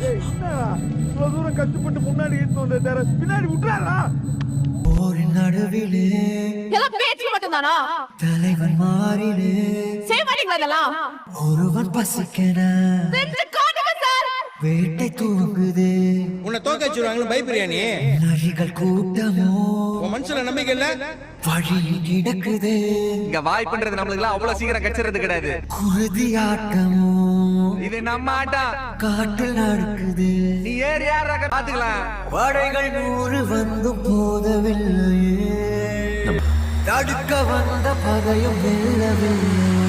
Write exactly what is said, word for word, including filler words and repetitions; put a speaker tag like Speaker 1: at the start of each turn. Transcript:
Speaker 1: இவ்வளவு தூரம் கஷ்டப்பட்டு முன்னாடி இருந்து வந்த பின்னாடி விட்டுறாரா?
Speaker 2: ஒரு நடுவிலே
Speaker 3: எல்லாம் பேச்சு மட்டும்தானா?
Speaker 2: தலைவன் மாறிலே
Speaker 3: செய்ய மாட்டீங்களா இதெல்லாம்?
Speaker 2: ஒருவன் பசிக்கன
Speaker 3: செஞ்சு காட்டுங்க சார்.
Speaker 2: வேட்டை தூங்குது.
Speaker 4: உன்னை தோக்க வச்சிருவாங்களு பயப்படுறியா நீ?
Speaker 2: நரிகள் கூட்டமோ
Speaker 4: உன் மனசுல நம்பிக்கை இல்ல?
Speaker 2: வழியில் கிடக்குது.
Speaker 5: இங்க வாய் பண்றது நம்மளுக்கு அவ்வளவு சீக்கிரம் கச்சிறது கிடையாது.
Speaker 2: குருதி ஆட்டமோ
Speaker 5: இது நம்ம ஆட்டம்.
Speaker 2: காட்டில் நடக்குது.
Speaker 5: நீ ஏறி யாரா பாத்துக்கலாம்.
Speaker 2: படைகள் நூறு வந்தும் போதவில்லையே, தடுக்க வந்த பகையும் வெல்லவில்லை.